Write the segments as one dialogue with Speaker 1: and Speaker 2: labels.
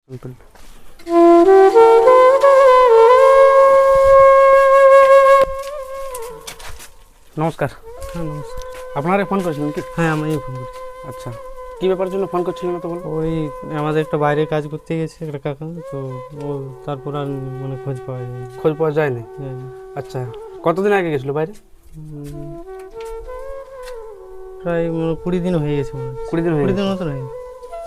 Speaker 1: নমস্কার।
Speaker 2: হ্যাঁ নমস্কার।
Speaker 1: আপনারা ফোন করেছিলেন কি?
Speaker 2: হ্যাঁ আমি ফোন করছি।
Speaker 1: আচ্ছা, কী ব্যাপারের জন্য ফোন করছিলেন তো বলুন?
Speaker 2: ওই আমাদের একটা বাইরে কাজ করতে গেছে একটা কাকা, তো ও তারপর আর মানে খোঁজ পাওয়া যায়
Speaker 1: খোঁজ পাওয়া যায়নি? আচ্ছা, কতদিন আগে গেছিলো বাইরে?
Speaker 2: প্রায় 20 দিন হয়ে গেছে,
Speaker 1: 20 দিন হয়ে
Speaker 2: 20
Speaker 1: গেছে।
Speaker 2: দিন মতো হয়ে গেছে।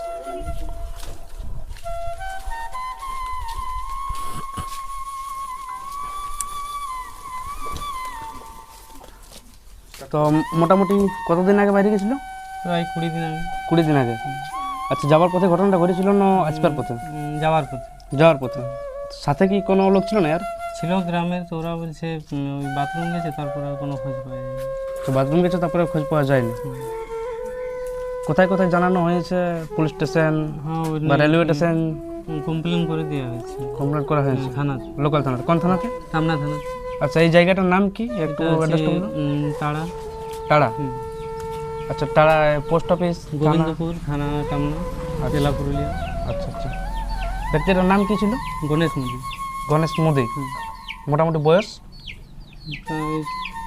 Speaker 1: তো মোটামুটি কতদিন আগে বাইরে গেছিলো?
Speaker 2: প্রায় 20 দিন আগে।
Speaker 1: 20 দিন আগে। আচ্ছা, যাওয়ার পথে ঘটনাটা ঘটেছিল না আসবার পথে?
Speaker 2: যাওয়ার পথে।
Speaker 1: যাওয়ার পথে। সাথে কি কোনো লোক ছিল না আর?
Speaker 2: ছিল গ্রামের, তো ওরা বলছে ওই বাথরুম গেছে, তারপর আর কোনো খোঁজ পাওয়া যায়নি।
Speaker 1: তো বাথরুম গেছে, তারপরে খোঁজ পাওয়া যায়নি? কোথায় কোথায় জানানো হয়েছে? পুলিশ স্টেশন
Speaker 2: হ্যাঁ ওই
Speaker 1: বা রেলওয়ে স্টেশন?
Speaker 2: কমপ্লেন করে দেওয়া হয়েছে
Speaker 1: কমপ্লেন করা হয়েছে
Speaker 2: থানা,
Speaker 1: লোকাল থানাতে। কোন থানাতে?
Speaker 2: টামনা থানা।
Speaker 1: আচ্ছা, এই জায়গাটার নাম কি একটু অ্যাড্রেসটা বলুন?
Speaker 2: তাড়া।
Speaker 1: টাড়া? আচ্ছা, টাড়া পোস্ট অফিস,
Speaker 2: গোবিন্দপুর থানা, টামনা, জেলা পুরুলিয়া।
Speaker 1: আচ্ছা আচ্ছা। ব্যক্তিটার নাম কি ছিল?
Speaker 2: গণেশ মোদী।
Speaker 1: গণেশ মোদী। মোটামুটি বয়স?
Speaker 2: প্রায়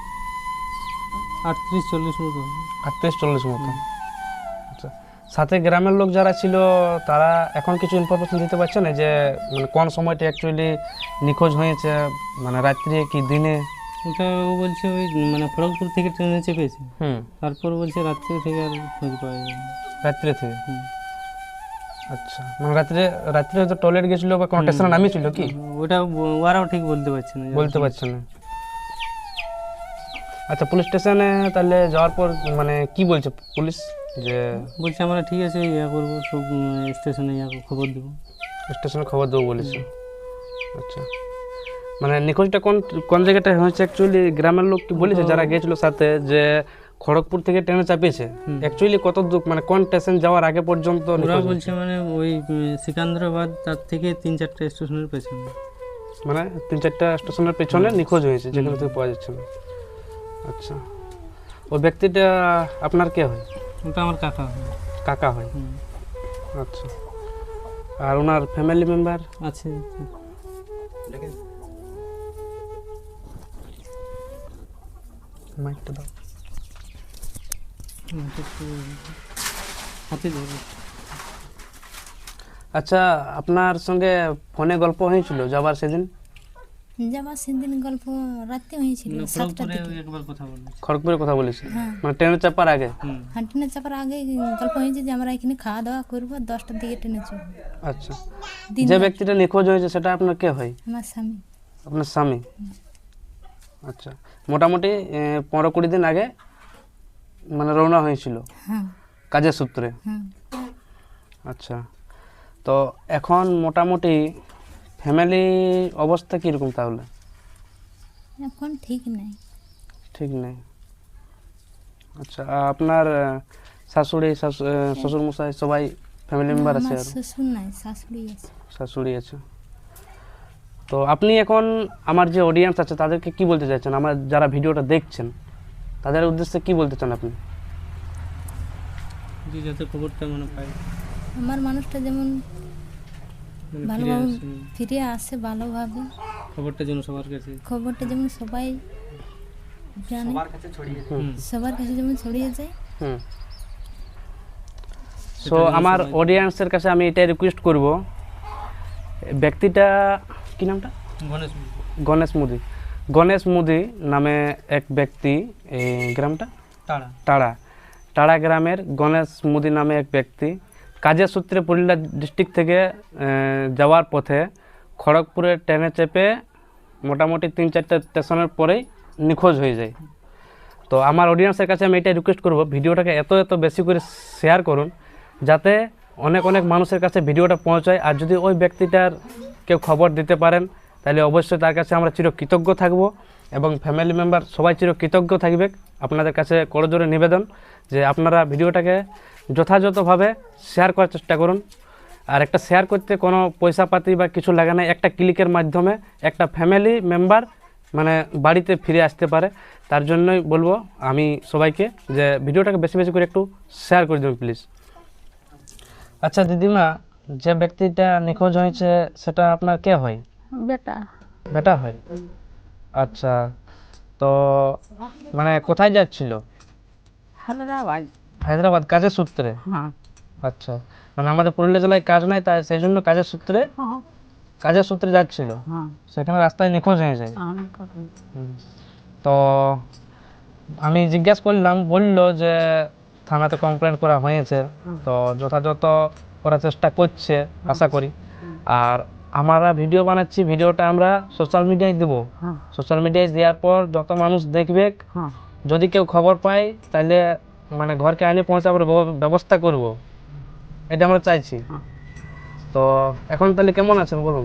Speaker 2: 38-40 মতো।
Speaker 1: 38-40 মতো। আচ্ছা, সাথে গ্রামের লোক যারা ছিল তারা এখন কিছু ইনফরমেশন দিতে পারছে না যে মানে কোন সময়টা অ্যাকচুয়ালি নিখোঁজ হয়েছে, মানে রাত্রে কি দিনে?
Speaker 2: ওটা ও বলছে ওই মানে খড়গপুর থেকে ট্রেনে চেপেছে,
Speaker 1: হুম।
Speaker 2: তারপর বলছে রাত্রে থেকে আর খোঁজ পাওয়া যায় না।
Speaker 1: রাত্রে থেকে? আচ্ছা, মানে রাত্রে রাত্রে হয়তো টয়লেট গেছিলো বা কোনো স্টেশনে নামিয়েছিল কি?
Speaker 2: ওটা ওরাও ঠিক বলতে পারছে না।
Speaker 1: বলতে পারছে না। আচ্ছা, পুলিশ স্টেশনে তাহলে যাওয়ার পর মানে কি বলছে পুলিশ? যে
Speaker 2: বলছে আমরা ঠিক আছে ইয়া করবো, সব স্টেশনে ইয়া খবর দেবো।
Speaker 1: স্টেশনে খবর দেবো বলেছে। আচ্ছা, মানে নিখোঁজটা কোন কোন জায়গাটায় হয়েছে অ্যাকচুয়ালি? গ্রামের লোক কি বলেছে যারা গেছিল সাথে যে খড়গপুর থেকে ট্রেনে চাপিয়েছে অ্যাকচুয়ালি কত দূর, মানে কোন স্টেশন যাওয়ার আগে পর্যন্ত
Speaker 2: ওরা
Speaker 1: নিখোঁজ হয়েছে?
Speaker 2: বলছে মানে ওই সিকান্দ্রাবাদ, তার থেকে 3-4টা স্টেশনের পেছনে।
Speaker 1: মানে 3-4টা স্টেশনের পেছনে নিখোঁজ হয়েছে, যেখানে থেকে পাওয়া যাচ্ছে না। আচ্ছা, ওই ব্যক্তিটা আপনার কে হয়?
Speaker 2: ওটা আমার কাকা হয়।
Speaker 1: কাকা হয়? আচ্ছা, আর ওনার ফ্যামিলি মেম্বার
Speaker 2: আছে।
Speaker 1: মাইকটা দাও।
Speaker 2: হাতে ধরে।
Speaker 1: আচ্ছা, আপনার সঙ্গে ফোনে গল্প হয়েছিল যাবার সেদিন?
Speaker 3: যাবার সেদিন গল্প রাতে হয়েছিল 7টার দিকে।
Speaker 2: একবার কথা বলি।
Speaker 1: খড়গপুরের কথা বলেছে?
Speaker 3: হ্যাঁ।
Speaker 1: মানে ট্রেনে চাপার আগে?
Speaker 3: ট্রেনে চাপার আগে গল্প হয়েছে যে আমরা এখানে খাওয়া দাওয়া করবো, 10টার দিকে ট্রেনে চলবো।
Speaker 1: আচ্ছা, যে ব্যক্তিটা নিখোঁজ হয়েছে সেটা আপনার কে হয়?
Speaker 3: আমার স্বামী।
Speaker 1: আপনার স্বামী? আচ্ছা, মোটামুটি 15-20 দিন আগে মানে রওনা হয়েছিল
Speaker 3: হ্যাঁ
Speaker 1: কাজের সূত্রে?
Speaker 3: হ্যাঁ।
Speaker 1: আচ্ছা, তো এখন মোটামুটি ফ্যামিলি অবস্থা কীরকম তাহলে?
Speaker 3: এখন ঠিক নাই।
Speaker 1: ঠিক নেই? আচ্ছা, আপনার শাশুড়ি শ্বশুরমশাই সবাই ফ্যামিলি মেম্বার আছে?
Speaker 3: আমার
Speaker 1: আর
Speaker 3: শ্বশুর নাই, শাশুড়ি আছে।
Speaker 1: শাশুড়ি আছে। তো আপনি এখন আমার যে অডিয়েন্স আছে তাদেরকে কি বলতে চাইছেন? আমার যারা ভিডিওটা দেখছেন তাদের উদ্দেশ্যে কি বলতে চান আপনি?
Speaker 2: যে যাতে খবরটা মানে পাই,
Speaker 3: আমার মানুষটা যেমন
Speaker 2: মানে
Speaker 3: ভালোভাবে ফিরে আসে, ভালোভাবে
Speaker 2: খবরটা যেন সবার কাছে।
Speaker 3: খবরটা যেমন সবাই জানে, সবার কাছে যেমন ছড়িয়ে যায়।
Speaker 1: হুম। সো আমার অডিয়েন্সের কাছে আমি এটাই রিকোয়েস্ট করব, ব্যক্তিটা কি নামটা?
Speaker 2: গণেশ মোদী।
Speaker 1: গণেশ মোদী। গণেশ মোদী নামে এক ব্যক্তি, এই গ্রামটা
Speaker 2: তাড়া।
Speaker 1: টাড়া, টাড়া গ্রামের গণেশ মোদী নামে এক ব্যক্তি কাজের সূত্রে পুরুলিয়া ডিস্ট্রিক্ট থেকে যাওয়ার পথে খড়গপুরে ট্রেনে চেপে মোটামুটি 3-4টা স্টেশনের পরেই নিখোঁজ হয়ে যায়। তো আমার অডিয়েন্সের কাছে আমি এটাই রিকোয়েস্ট করব, ভিডিওটাকে এত বেশি করে শেয়ার করুন যাতে অনেক অনেক মানুষের কাছে ভিডিওটা পৌঁছায়। আর যদি ওই ব্যক্তিটার কেউ খবর দিতে পারেন তাহলে অবশ্যই তার কাছে আমরা চিরকৃতজ্ঞ থাকব এবং ফ্যামিলি মেম্বার সবাই চিরকৃতজ্ঞ থাকবে। আপনাদের কাছে করজোরে নিবেদন যে আপনারা ভিডিওটাকে যথাযথভাবে শেয়ার করার চেষ্টা করুন। আর একটা শেয়ার করতে কোনো পয়সা পাতি বা কিছু লাগে না, একটা ক্লিকের মাধ্যমে একটা ফ্যামিলি মেম্বার মানে বাড়িতে ফিরে আসতে পারে। তার জন্যই বলবো আমি সবাইকে যে ভিডিওটাকে বেশি বেশি করে একটু শেয়ার করে দেবেন প্লিজ। আচ্ছা দিদিমা, যে ব্যক্তিটা নিখোঁজ হয়েছে সেটা আপনার কে হয়?
Speaker 4: বেটা
Speaker 1: বেটা হয়। আচ্ছা, তো মানে কোথায় যাচ্ছিল?
Speaker 4: হায়দ্রাবাদ।
Speaker 1: হায়দ্রাবাদ কাজের সূত্রে?
Speaker 4: হ্যাঁ
Speaker 1: আচ্ছা, মানে আমাদের পুরুলিয়া জেলায় কাজ নাই, তাই সেই জন্য কাজের সূত্রে যাচ্ছিল,
Speaker 4: হ্যাঁ
Speaker 1: সেখানে রাস্তায় নিখোঁজ হয়ে যায়।
Speaker 4: অনেক কথা।
Speaker 1: তো আমি জিজ্ঞাসা করলাম, বললো যে থানাতে কমপ্লেন করা হয়েছে, তো যথাযথ করার চেষ্টা করছে আশা করি। আর আমরা ভিডিও বানাচ্ছি, ভিডিওটা আমরা সোশ্যাল মিডিয়ায় দেবো।
Speaker 4: হ্যাঁ
Speaker 1: সোশ্যাল মিডিয়ায় দেওয়ার পর যত মানুষ দেখবে,
Speaker 4: হ্যাঁ
Speaker 1: যদি কেউ খবর পায় তাহলে মানে ঘরকে আইনে পৌঁছাবার ব্যবস্থা করব, এটা আমরা চাইছি। তো এখন তাহলে কেমন আছেন বলুন?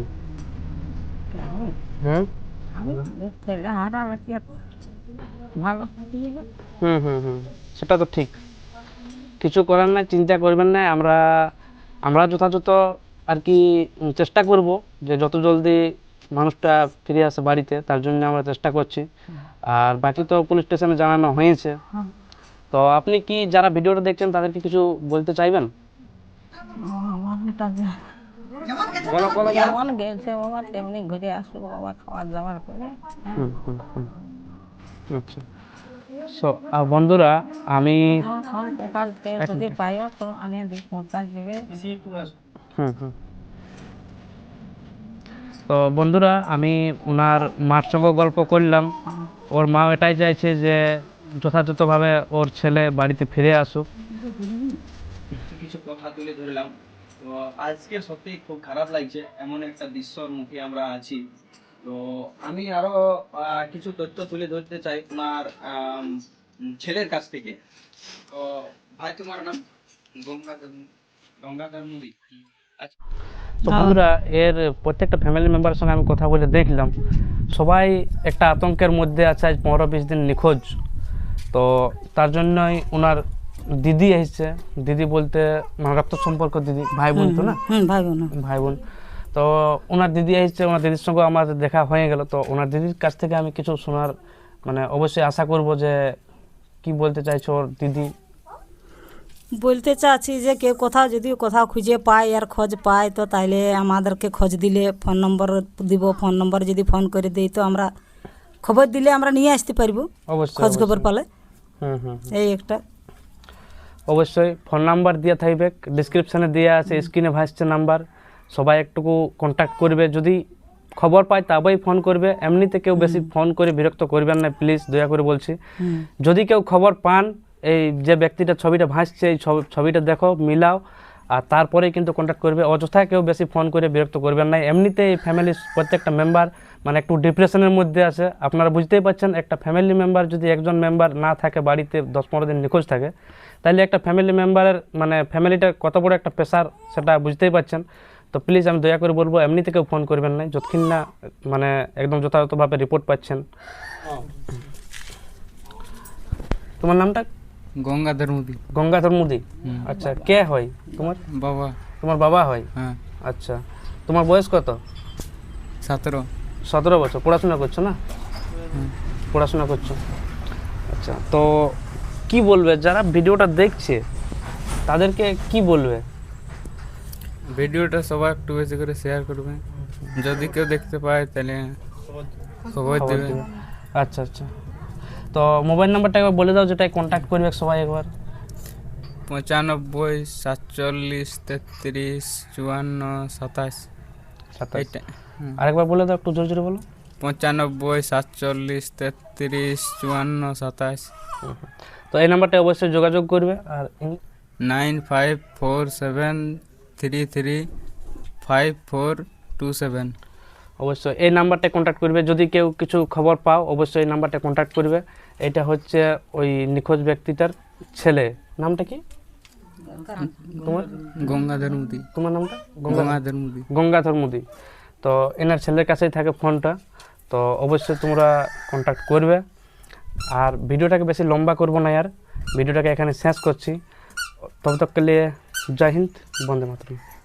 Speaker 1: হুম
Speaker 4: আমি ছেলে হারালে কি আর ভালো থাকি না?
Speaker 1: হুম হুম হুম সেটা তো ঠিক, কিছু করার নাই, চিন্তা করবেন না। আমরা যথাযথ আর কি চেষ্টা করব যে যত জলদি মানুষটা ফিরে আসে বাড়িতে, তার জন্য আমরা চেষ্টা করছি। আর বাকি তো পুলিশ স্টেশনে জানানো হয়েছে।
Speaker 4: হ্যাঁ।
Speaker 1: তো আপনি কি যারা ভিডিওটা দেখছেন তাদেরকে কিছু বলতে চাইবেন?
Speaker 4: আমার এটা যে
Speaker 1: বলো, বলো, বলো।
Speaker 4: যেমন গেছে বাবা তেমনি ঘুরে আসবো বাবা, খাওয়ার দাওয়ার করে।
Speaker 1: হুম হুম হুম আচ্ছা, আর বন্ধুরা আমি
Speaker 4: সকাল থেকে যদি পাইও তো আনিয়ে দিই, পৌঁছা দেবে।
Speaker 1: হুম হুম তো বন্ধুরা আমি ওনার মার সঙ্গে গল্প করলাম। ওর মা এটাই চাইছে যে যথাযথভাবে ওর ছেলে বাড়িতে ফিরে আসুক।
Speaker 5: কিছু কথা তুলে ধরলাম। তো আজকে সত্যি খুব খারাপ লাগছে, এমন একটা দৃশ্যর মুখে আমরা আছি। তো আমি আরো কিছু তথ্য তুলে ধরতে চাই তোমার ছেলের কাছ থেকে। তো ভাই তোমার নাম? গঙ্গাধর মুদি। আচ্ছা,
Speaker 1: তো বন্ধুরা এর প্রত্যেকটা ফ্যামিলি মেম্বারের সঙ্গে আমি কথা বলে দেখলাম, সবাই একটা আতঙ্কের মধ্যে আছে। আজ 15-20 দিন নিখোঁজ। তো তার জন্যই ওনার দিদি এসেছে। দিদি বলতে মানে রক্ত সম্পর্ক দিদি, ভাই বোন তো না? ভাই বোন। তো ওনার দিদি এসেছে, ওনার দিদির সঙ্গে আমার দেখা হয়ে গেল। তো ওনার দিদির কাছ থেকে আমি কিছু শোনার মানে অবশ্যই আশা করব যে কি বলতে চাইছো ওর দিদি।
Speaker 6: বলতে চাচ্ছি যে কেউ কোথাও যদি কোথাও খুঁজে পায় আর খোঁজ পায় তো তাহলে আমাদেরকে খোঁজ দিলে ফোন নম্বর দিব, ফোন নম্বর যদি ফোন করে দিই তো আমরা খবর দিলে আমরা নিয়ে আসতে পারবো,
Speaker 1: অবশ্যই
Speaker 6: খোঁজ খবর পালে।
Speaker 1: হুম হুম
Speaker 6: এই একটা
Speaker 1: অবশ্যই ফোন নাম্বার দিয়ে থাকবে, ডিসক্রিপশানে দেওয়া আছে, স্ক্রিনে ভাসছে নাম্বার। সবাই একটুকু কন্ট্যাক্ট করবে, যদি খবর পায় তবেই ফোন করবে। এমনিতে কেউ বেশি ফোন করে বিরক্ত করবেন না প্লিজ, দয়া করে বলছি। যদি কেউ খবর পান, এই যে ব্যক্তিটা ছবিটা ভাসছে এই ছবিটা দেখো, মিলাও, আর তারপরেই কিন্তু কন্ট্যাক্ট করবে। অযথা কেউ বেশি ফোন করে বিরক্ত করবেন না। এমনিতে এই ফ্যামিলির প্রত্যেকটা মেম্বার মানে একটু ডিপ্রেশনের মধ্যে আছে। আপনারা বুঝতেই পারছেন, একটা ফ্যামিলি মেম্বার যদি একজন মেম্বার না থাকে বাড়িতে 10-15 দিন নিখোঁজ থাকে, তাহলে একটা ফ্যামিলি মেম্বারের মানে ফ্যামিলিটার কত বড় একটা প্রেশার সেটা বুঝতেই পারছেন। তো প্লিজ আমি দয়া করে বলবো এমনিতে কেউ ফোন করবেন না যতক্ষণ না মানে একদম যথাযথভাবে রিপোর্ট পাচ্ছেন। তোমার নামটা?
Speaker 7: গঙ্গাধর মুদি।
Speaker 1: গঙ্গাধর মুদি। আচ্ছা, কে হয় তোমার?
Speaker 7: বাবা।
Speaker 1: তোমার বাবা হয়?
Speaker 7: হ্যাঁ।
Speaker 1: আচ্ছা, তোমার বয়স কত?
Speaker 7: 17
Speaker 1: বছর। পড়াশোনা করছো না? পড়াশোনা করছো। আচ্ছা, তো কি বলবে যারা ভিডিওটা দেখছে তাদেরকে কি বলবে?
Speaker 7: ভিডিওটা সবাই একটু বেশি করে শেয়ার করবে, যদি কেউ দেখতে পায় তাহলে খবর দেবে।
Speaker 1: আচ্ছা আচ্ছা, তো মোবাইল নাম্বারটা একবার বলে দাও যেটাই কন্ট্যাক্ট করবে সবাই একবার।
Speaker 7: 95 47 33 54 27। এইটা
Speaker 1: আরেকবার বলে দাও, একটু জোরে জোরে বলো।
Speaker 7: 95 47 33 54 27।
Speaker 1: তো এই নাম্বারটা অবশ্যই যোগাযোগ করবে। আর
Speaker 7: 9547335427।
Speaker 1: অবশ্যই এই নাম্বারটা কন্ট্যাক্ট করবে। যদি কেউ কিছু খবর পাও অবশ্যই এই নাম্বারটা কন্ট্যাক্ট করবে। এটা হচ্ছে ওই নিখোঁজ ব্যক্তিটার ছেলে। নামটা কি তোমার?
Speaker 7: গঙ্গাধর মুদি।
Speaker 1: তোমার নামটা?
Speaker 7: গঙ্গাধর মুদি।
Speaker 1: গঙ্গাধর মুদি। তো এনার ছেলের কাছেই থাকে ফোনটা। তো অবশ্যই তোমরা কন্ট্যাক্ট করবে। আর ভিডিওটাকে বেশি লম্বা করবো না, আর ভিডিওটাকে এখানে শেষ করছি। তবে তক কে লিয়ে জয় হিন্দ, বন্দে মাতরম।